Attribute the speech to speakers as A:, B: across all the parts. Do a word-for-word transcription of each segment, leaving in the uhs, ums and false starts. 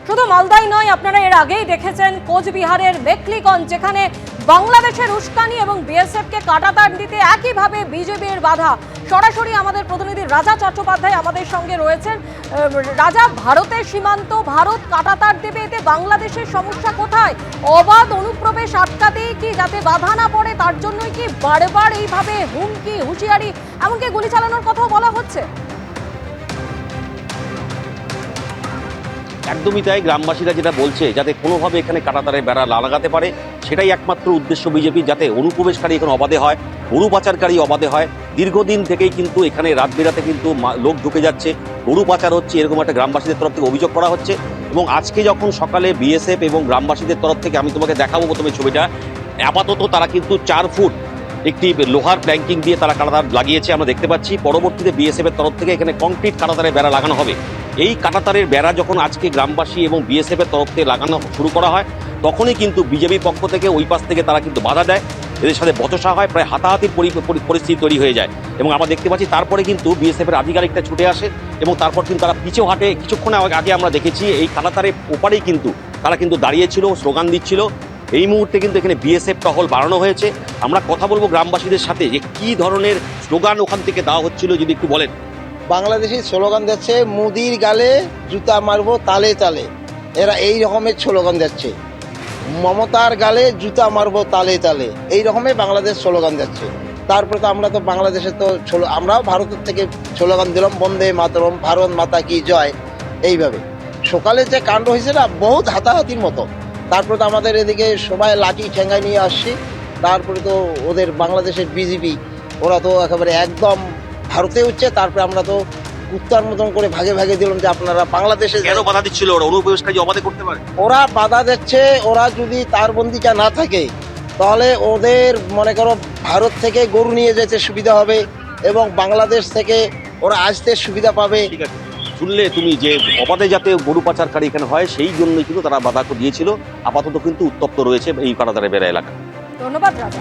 A: শুধু মালদাই নয়, আপনারা এর আগেই দেখেছেন কোচবিহারের মেখলিগঞ্জ, যেখানে বাংলাদেশের উস্কানি এবং বিএসএফকে কাঁটাতার দিতে একইভাবে বিজেপির বাধা। সরাসরি আমাদের প্রতিনিধি রাজা চট্টোপাধ্যায় আমাদের সঙ্গে রয়েছেন। রাজা, ভারতের সীমান্ত, ভারত কাঁটাতার দেবে, এতে বাংলাদেশের সমস্যা কোথায়? অবাধ অনুপ্রবেশ আটকাতেই কি, যাতে বাধা না পড়ে তার জন্যই কি বারবার এইভাবে হুমকি, হুঁশিয়ারি, এমনকি গুলি চালানোর কথাও বলা হচ্ছে?
B: একদমই তাই। গ্রামবাসীরা যেটা বলছে, যাতে কোনোভাবে এখানে কাঁটাতারের বেড়া না লাগাতে পারে, সেটাই একমাত্র উদ্দেশ্য বিজেপি, যাতে অনুপ্রবেশকারী এখানে অবাধে হয়, গরু পাচারকারী অবাধে হয়। দীর্ঘদিন থেকেই কিন্তু এখানে রাত বেরাতে কিন্তু লোক ঢুকে যাচ্ছে, গরু পাচার হচ্ছে, এরকম একটা গ্রামবাসীদের তরফ থেকে অভিযোগ করা হচ্ছে। এবং আজকে যখন সকালে বিএসএফ এবং গ্রামবাসীদের তরফ থেকে, আমি তোমাকে দেখাবো প্রথমে ছবিটা, আপাতত তারা কিন্তু চার ফুট একটি লোহার প্ল্যাঙ্কিং দিয়ে তারা কাঁটাতার লাগিয়েছে, আমরা দেখতে পাচ্ছি। পরবর্তীতে বিএসএফ এর তরফ থেকে এখানে কংক্রিট কাঁটাতারের বেড়া লাগানো হবে। এই কাঁটাতারের বেড়া যখন আজকে গ্রামবাসী এবং বিএসএফ এর তরফ থেকে লাগানো শুরু করা হয়, তখনই কিন্তু বিজেপির পক্ষ থেকে ওই পাশ থেকে তারা কিন্তু বাধা দেয়, এদের সাথে বচসা হয়, প্রায় হাতাহাতির পরিস্থিতি তৈরি হয়ে যায়। এবং আমরা দেখতে পাচ্ছি তারপরে কিন্তু বিএসএফ এর আধিকারিকটা ছুটে আসে এবং তারপর কিন্তু তারা পিছু হাঁটে। কিছুক্ষণ আগে আমরা দেখেছি এই কাঁটাতারের ওপারেই কিন্তু তারা কিন্তু দাঁড়িয়েছিল, স্লোগান দিচ্ছিল। এই মুহূর্তে কিন্তু এখানে বিএসএফ টহল বাড়ানো হয়েছে। আমরা কথা বলবো গ্রামবাসীদের সাথে, যে কি ধরনের স্লোগান ওখান থেকে দেওয়া হচ্ছিল, যদি একটু বলেন।
C: বাংলাদেশি স্লোগান দিচ্ছে, মুদির গালে জুতা মারবো তালে তালে, এরা এই রকমের স্লোগান দিচ্ছে। মমতার গালে জুতা মারবো তালে তালে, এই রকমের বাংলাদেশ স্লোগান দিচ্ছে। তারপরে তো আমরা তো বাংলাদেশে তো আমরাও ভারতের থেকে স্লোগান দিলাম, বন্দে মাতরম, ভারত মাতা কি জয়। এইভাবে সকালে যে কাণ্ড হয়েছে না, বহুত হাতাহাতির মতো। তারপরে তো আমাদের এদিকে সবাই লাঠি ঠেঙ্গায় নিয়ে আসছি। তারপরে তো ওদের বাংলাদেশের বিজেপি, ওরা তো একেবারে একদম ভারতে উঠছে। তারপরে আমরা তো কুত্তার মতন করে ভাগে ভাগে দিলাম যে আপনারা বাংলাদেশে
B: কেন বাধা দিচ্ছিল? ওরা অনুপ্রবেশকারী অবাধে করতে পারে,
C: ওরা বাধা দিচ্ছে। ওরা যদি তার বন্দিটা না থাকে, তাহলে ওদের মনে করো ভারত থেকে গরু নিয়ে যেতে সুবিধা হবে এবং বাংলাদেশ থেকে ওরা আসতে সুবিধা পাবে।
B: ঠিক আছে, শুনলে তুমি যে অবাধে যাতে গরু পাচারকারী এখানে হয়, সেই জন্যই কিন্তু তারা বাধা দিয়েছিল। আপাতত কিন্তু উত্তপ্ত রয়েছে এই কাঁটাতারের বেড়া এলাকা।
A: ধন্যবাদ রাজা।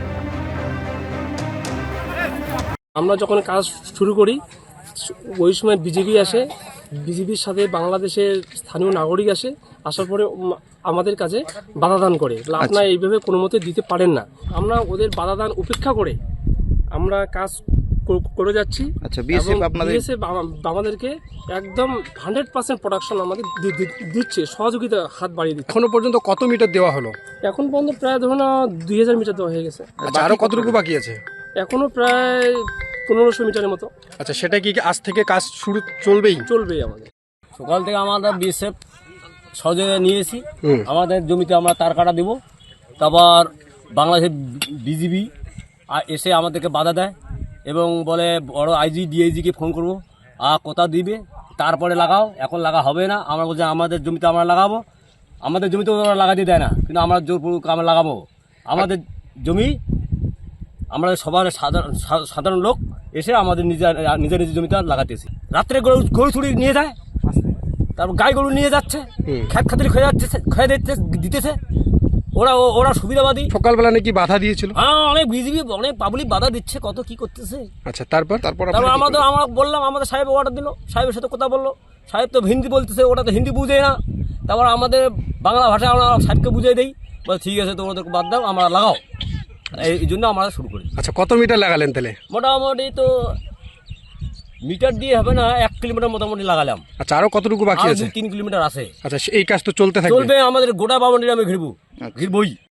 D: আমরা যখন কাজ শুরু করি, ওই সময় বিজেপি আসে, বিজেপির সাথে বাংলাদেশের স্থানীয় নাগরিক আসে, আসার পরে আমাদের কাছে বাধাদান করে, আপনারা এইভাবে কোনো মতে দিতে পারেন না। আমরা ওদের বাধাদান উপেক্ষা করে আমরা কাজ করে যাচ্ছি।
E: আচ্ছা, বিএসএফ আপনাদের
D: বিএসএফ আমাদেরকে একদম হান্ড্রেড পার্সেন্ট প্রোডাকশন আমাদের দিচ্ছে, সহযোগিতা হাত বাড়িয়ে দিচ্ছে।
E: এখনো পর্যন্ত কত মিটার দেওয়া হলো?
D: এখন পর্যন্ত প্রায় ধরুন দুই হাজার মিটার দেওয়া হয়ে গেছে।
E: আরো কতটুকু বাকি আছে?
D: এখনো প্রায় পনেরোশো মিটারের মতো।
E: আচ্ছা, সেটা কি আজ থেকে কাজ শুরু চলবেই?
D: চলবেই। আমাদের
F: সকাল থেকে আমাদের বিএসএফ সহযোগিতা নিয়েছি, আমাদের জমিতে আমরা তার কাটা দেব। তারপর বাংলাদেশের বিজিবি এসে আমাদেরকে বাধা দেয় এবং বলে বড় আইজি ডিআইজিকে ফোন করবো, আর কোথা দিবে তারপরে লাগাও, এখন লাগা হবে না। আমরা বলছি আমাদের জমিতে আমরা লাগাবো, আমাদের জমিতে ওরা লাগাতে দেয় না, কিন্তু আমরা জোরপূর্বক আমরা লাগাবো আমাদের জমি। আমরা সবার সাধারণ সাধারণ লোক এসে আমাদের নিজের নিজের নিজের জমিতে লাগাতেছি। রাত্রে গরু গরু চুরি নিয়ে যায়, তারপর গাই গরু নিয়ে যাচ্ছে, খেত খাতির খেয়ে যাচ্ছে, খেয়ে দিতে দিতেছে। ওরা ওরা সুবিধাবাদী।
E: সকালবেলা নাকি বাধা দিয়েছিল?
F: হ্যাঁ, অনেক বিজিবি অনেক পাবলিক বাধা দিচ্ছে, কত কি করতেছে।
E: আচ্ছা, তারপর তারপর
F: তারপর আমাদের আমরা বললাম, আমাদের সাহেব অর্ডার দিল, সাহেবের সাথে কথা বললো। সাহেব তো হিন্দি বলতেছে, ওটা তো হিন্দি বুঝে না। তারপর আমাদের বাংলা ভাষায় আমরা সাহেবকে বুঝিয়ে দিই, বলে ঠিক আছে, তো ওদেরকে বাদ দাও, আমরা লাগাও। এই জন্য আমরা শুরু করি।
E: আচ্ছা, কত মিটার লাগালেন তাহলে?
F: মোটামুটি তো মিটার দিয়ে হবে না, এক কিলোমিটার মোটামুটি লাগালাম।
E: আচ্ছা, আরো কতটুকু বাকি আছে?
F: তিন কিলোমিটার আছে।
E: আচ্ছা, এই কাজ তো চলতে থাকবে?
F: চলবে, আমাদের গোটা বাউন্ডারি আমি ঘিরবো, ঘিরবই।